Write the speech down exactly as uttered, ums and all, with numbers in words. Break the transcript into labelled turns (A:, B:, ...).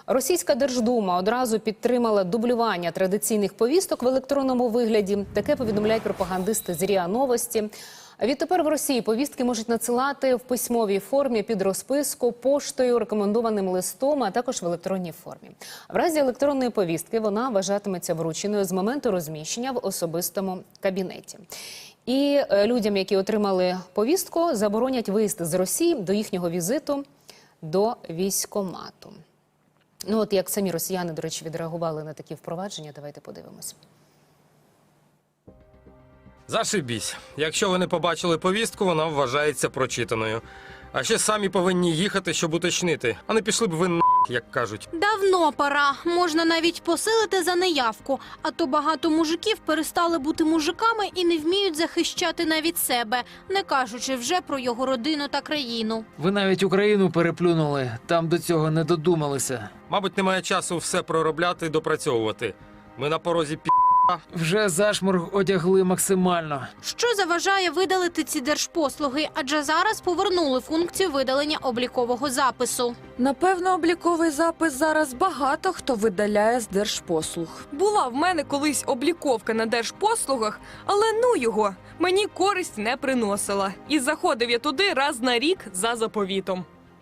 A: Російська Держдума одразу підтримала дублювання традиційних повісток в електронному вигляді. Таке повідомляють пропагандисти з РІА Новості. Відтепер в Росії повістки можуть надсилати в письмовій формі під розписку, поштою, рекомендованим листом, а також в електронній формі. В разі електронної повістки вона вважатиметься врученою з моменту розміщення в особистому кабінеті. І людям, які отримали повістку, заборонять виїзд з Росії до їхнього візиту до військкомату. Ну от як самі росіяни, до речі, відреагували на такі впровадження, давайте подивимось.
B: Зашибісь. Якщо ви не побачили повістку, вона вважається прочитаною. А ще самі повинні їхати, щоб уточнити. А не пішли б ви на**, як кажуть.
C: Давно пора. Можна навіть посилити за неявку. А то багато мужиків перестали бути мужиками і не вміють захищати навіть себе, не кажучи вже про його родину та країну.
D: Ви навіть Україну переплюнули, там до цього не додумалися.
B: Мабуть, немає часу все проробляти і допрацьовувати. Ми на порозі пі***.
D: Вже зашморг одягли максимально.
C: Що заважає видалити ці держпослуги? Адже зараз повернули функцію видалення облікового запису.
E: Напевно, обліковий запис зараз багато хто видаляє з держпослуг. Була в мене колись обліковка на держпослугах, але ну його, мені користь не приносила. І заходив я туди раз на рік за заповітом.